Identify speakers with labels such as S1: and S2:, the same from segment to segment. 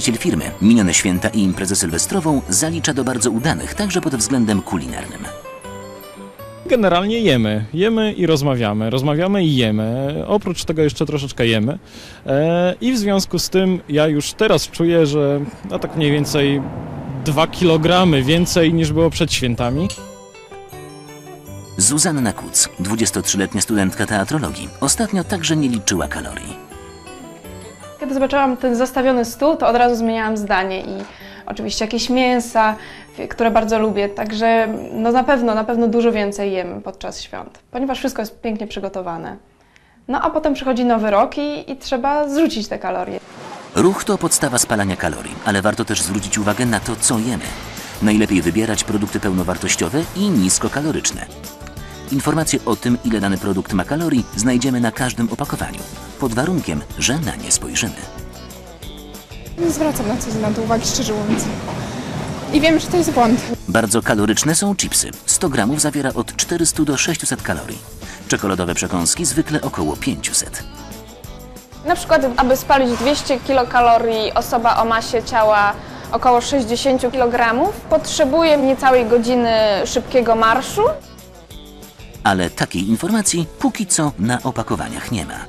S1: Właściciel firmy minione święta i imprezę sylwestrową zalicza do bardzo udanych, także pod względem kulinarnym.
S2: Generalnie jemy. Jemy i rozmawiamy. Rozmawiamy i jemy. Oprócz tego jeszcze troszeczkę jemy. I w związku z tym ja już teraz czuję, że no tak mniej więcej 2 kg więcej niż było przed świętami.
S1: Zuzanna Kuc, 23-letnia studentka teatrologii, ostatnio także nie liczyła kalorii.
S3: Kiedy zobaczyłam ten zastawiony stół, to od razu zmieniałam zdanie i oczywiście jakieś mięsa, które bardzo lubię, także no na pewno dużo więcej jem podczas świąt, ponieważ wszystko jest pięknie przygotowane. No a potem przychodzi nowy rok i trzeba zrzucić te kalorie.
S1: Ruch to podstawa spalania kalorii, ale warto też zwrócić uwagę na to, co jemy. Najlepiej wybierać produkty pełnowartościowe i niskokaloryczne. Informacje o tym, ile dany produkt ma kalorii, znajdziemy na każdym opakowaniu, pod warunkiem, że na nie spojrzymy.
S4: Nie zwracam na to uwagi, szczerze mówiąc. I wiem, że to jest błąd.
S1: Bardzo kaloryczne są chipsy. 100 gramów zawiera od 400 do 600 kalorii. Czekoladowe przekąski zwykle około 500.
S3: Na przykład, aby spalić 200 kilokalorii, osoba o masie ciała około 60 kg potrzebuje niecałej godziny szybkiego marszu.
S1: Ale takiej informacji póki co na opakowaniach nie ma.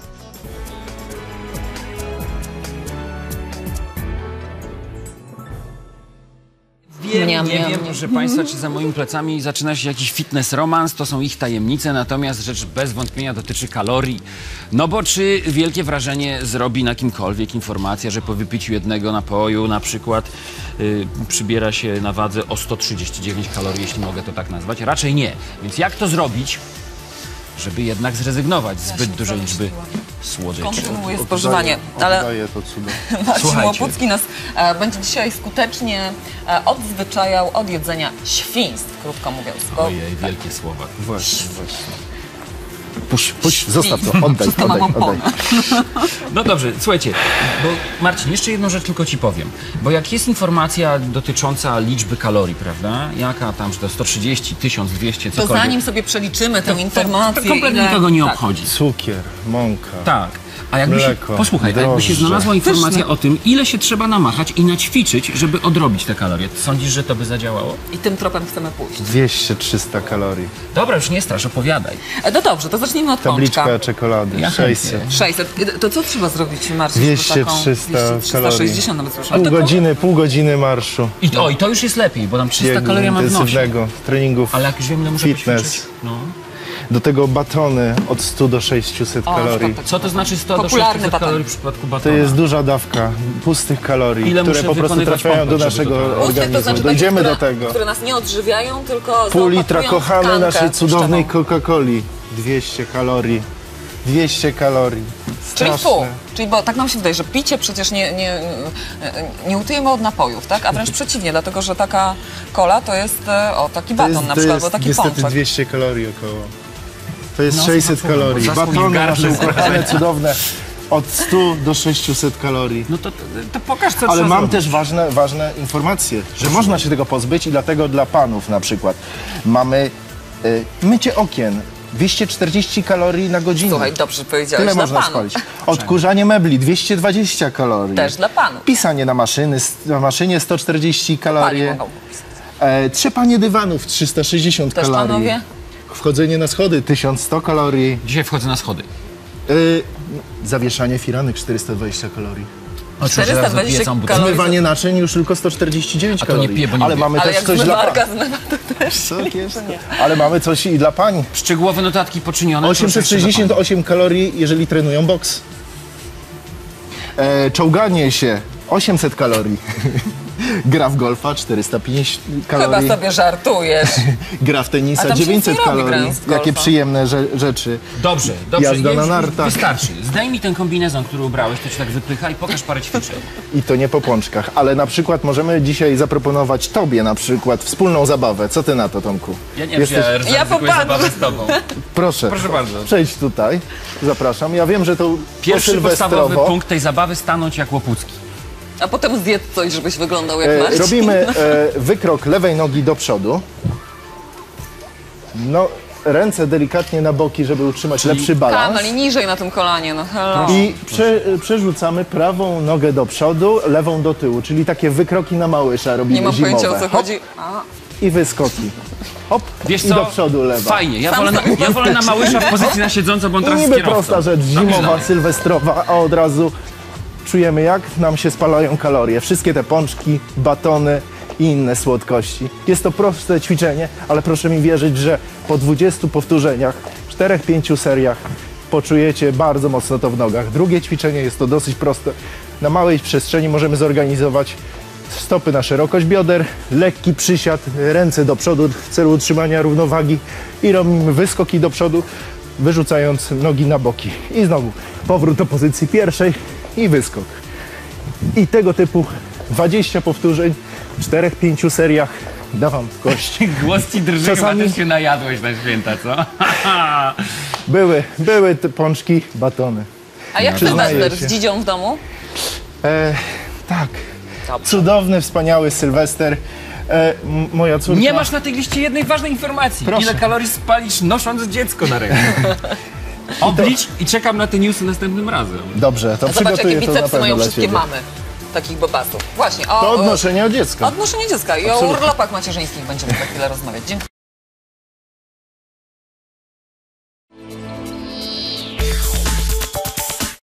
S5: Wiem, proszę Państwa, czy za moimi plecami zaczyna się jakiś fitness romans, to są ich tajemnice, natomiast rzecz bez wątpienia dotyczy kalorii. No bo czy wielkie wrażenie zrobi na kimkolwiek informacja, że po wypiciu jednego napoju na przykład przybiera się na wadze o 139 kalorii, jeśli mogę to tak nazwać? Raczej nie. Więc jak to zrobić, żeby jednak zrezygnować z zbyt dużej liczby słodyczy?
S6: Kontynuuje spożywanie, ale Marcin Łopucki nas będzie dzisiaj skutecznie odzwyczajał od jedzenia świństw, krótko mówiąc.
S5: Ojej, wielkie słowa.
S7: Właśnie. Puść, zostaw to, oddaj.
S5: No dobrze, słuchajcie, bo Marcin, jeszcze jedną rzecz tylko ci powiem, bo jak jest informacja dotycząca liczby kalorii, prawda, jaka tam, że to 130, 1200, cokolwiek.
S6: To zanim sobie przeliczymy tę informację...
S5: To kompletnie nikogo nie obchodzi.
S7: Cukier, mąka.
S5: Tak. A jakby
S7: mleko,
S5: się, posłuchaj, a jakby się znalazła informacja o tym, ile się trzeba namachać i naćwiczyć, żeby odrobić te kalorie. Sądzisz, że to by zadziałało?
S6: I tym tropem chcemy pójść.
S7: 200-300 kalorii.
S5: Dobra, już nie strasz, opowiadaj.
S6: No dobrze, to zacznijmy od
S7: Tabliczka
S6: pączka.
S7: czekolady,
S5: Ja
S7: 600.
S6: 600. To co trzeba zrobić, Marcin?
S7: 200-300 kalorii.
S6: 360 nawet słyszałem.
S7: Pół godziny marszu.
S5: I to już jest lepiej, bo tam 300
S7: Biegu
S5: kalorii mam w nosie.
S7: intensywnego, treningów,
S5: Ale jak już wiem, ile muszę
S7: fitness.
S5: poćwiczyć. No.
S7: Do tego batony od 100 do 600 kalorii.
S5: Co to znaczy 100 do
S6: Popularny
S5: 600
S6: baton.
S5: kalorii w przypadku
S7: To
S5: batona?
S7: jest duża dawka pustych kalorii,
S5: Ile
S7: które
S5: muszę
S7: po prostu
S5: wykonywać
S7: trafiają do
S5: pompek, żeby
S7: naszego
S5: to
S7: organizmu.
S6: To znaczy
S7: Dojdziemy
S6: takie,
S7: do tego.
S6: które nas nie odżywiają, tylko
S7: Pół litra
S6: zaopatrują w
S7: kochamy
S6: tkankę
S7: naszej cudownej
S6: tłuszczową.
S7: Coca-Coli. 200 kalorii. 200 kalorii.
S6: Czyli
S7: Straszne.
S6: pół. Czyli bo tak nam się wydaje, że picie przecież nie utujemy od napojów, tak? A wręcz przeciwnie, dlatego że taka cola to jest taki baton na przykład, albo taki
S7: niestety
S6: pączek.
S7: 200 kalorii około. To jest
S5: No,
S7: 600
S5: słuchaj,
S7: kalorii.
S5: zasłon
S7: Batony
S5: gardle.
S7: nasze ukochane, cudowne. Od 100 do 600 kalorii.
S5: No to pokaż, co
S7: Ale
S5: trzeba
S7: mam
S5: zrobić.
S7: też ważne informacje, że można się tego pozbyć i dlatego dla panów na przykład mamy mycie okien. 240 kalorii na godzinę.
S6: Słuchaj, dobrze powiedziałeś,
S7: Tyle
S6: dla
S7: można
S6: panów.
S7: spalić. Odkurzanie mebli 220 kalorii.
S6: Też dla panów.
S7: Pisanie na maszynie 140 kalorii.
S6: Pani mogą pisać.
S7: Trzepanie dywanów 360
S6: Też
S7: kalorii.
S6: panowie?
S7: Wchodzenie na schody 1100 kalorii.
S5: Dzisiaj wchodzę na schody.
S7: Zawieszanie firanek 420 kalorii.
S6: 420 kalorii.
S7: Zmywanie naczyń już tylko 149
S5: A to nie
S7: kalorii.
S5: piję, bo nie
S7: Ale
S5: lubię.
S7: mamy
S6: Ale
S7: też
S6: jak
S7: coś dla
S6: zmywarka
S7: pań.
S6: zmywa, to też
S7: Tak jest. Ale mamy coś i dla pań.
S5: Szczegółowe notatki poczynione. proszę jeszcze
S7: 868 kalorii, jeżeli trenują boks. Czołganie się 800 kalorii. Gra w golfa 450 kalorii.
S6: Chyba sobie żartujesz.
S7: Gra w
S6: A
S7: tenisa
S6: tam się
S7: 900
S6: nic nie robi,
S7: kalorii.
S6: grając w golfa.
S7: Jakie przyjemne rzeczy.
S5: Dobrze.
S7: Jazda na
S5: już
S7: nartach.
S5: Wystarczy. Zdaj mi ten kombinezon, który ubrałeś, to ci tak wypycha i pokaż parę ćwiczeń.
S7: I to nie po pączkach, ale na przykład możemy dzisiaj zaproponować tobie na przykład wspólną zabawę. Co ty na to, Tomku?
S5: Ja nie wiem, czy ja zaryzykuję
S6: popatrzę.
S5: zabawę z tobą.
S7: Proszę
S5: bardzo.
S7: Przejdź tutaj. Zapraszam. Ja wiem, że to
S5: Pierwszy podstawowy
S7: sylwestrowo.
S5: punkt tej zabawy stanąć jak Łopucki.
S6: A potem zjedz coś, żebyś wyglądał jak Marcin.
S7: Robimy wykrok lewej nogi do przodu. No, ręce delikatnie na boki, żeby utrzymać lepszy balans.
S6: Kamel, i niżej na tym kolanie, no hello.
S7: I przerzucamy prawą nogę do przodu, lewą do tyłu, czyli takie wykroki na małysza robimy
S6: Nie mam
S7: zimowe.
S6: pojęcia, o co
S7: Hop,
S6: chodzi. A,
S7: i wyskoki. Hop,
S5: Wiesz
S7: i
S5: co?
S7: do przodu lewa.
S5: Fajnie, ja wolę na Małysza w pozycji na siedząco, bo on
S7: I
S5: teraz jest
S7: niby
S5: kierowcą.
S7: prosta rzecz, zimowa, sylwestrowa, a od razu czujemy, jak nam się spalają kalorie. Wszystkie te pączki, batony i inne słodkości. Jest to proste ćwiczenie, ale proszę mi wierzyć, że po 20 powtórzeniach, 4-5 seriach poczujecie bardzo mocno to w nogach. Drugie ćwiczenie jest to dosyć proste. Na małej przestrzeni możemy zorganizować stopy na szerokość bioder, lekki przysiad, ręce do przodu w celu utrzymania równowagi i robimy wyskoki do przodu, wyrzucając nogi na boki. I znowu powrót do pozycji pierwszej i wyskok. I tego typu 20 powtórzeń w 4-5 seriach da wam w kość.
S5: Głos ci drży,
S7: Czasami-
S5: chyba też się najadłeś na święta, co?
S7: Były te pączki, batony.
S6: a jak
S7: Przyznaję
S6: Sylwester
S7: się.
S6: z dzidzią w domu?
S7: Tak,
S6: Dobrze.
S7: cudowny, wspaniały Sylwester. Moja córka...
S5: Nie masz na tej liście jednej ważnej informacji.
S7: Proszę.
S5: Ile kalorii spalisz, nosząc dziecko na ręku? Oblicz i czekam na te newsy następnym razem.
S7: Dobrze, to
S6: A zobacz, jakie
S7: przygotuję to na
S6: bicepsy
S7: pewno
S6: mają
S7: dla
S6: wszystkie
S7: ciebie.
S6: mamy takich bobasów. Właśnie,
S7: To odnoszenie od dziecka.
S6: Odnoszenie dziecka i o urlopach macierzyńskich będziemy za chwilę rozmawiać. Dziękuję.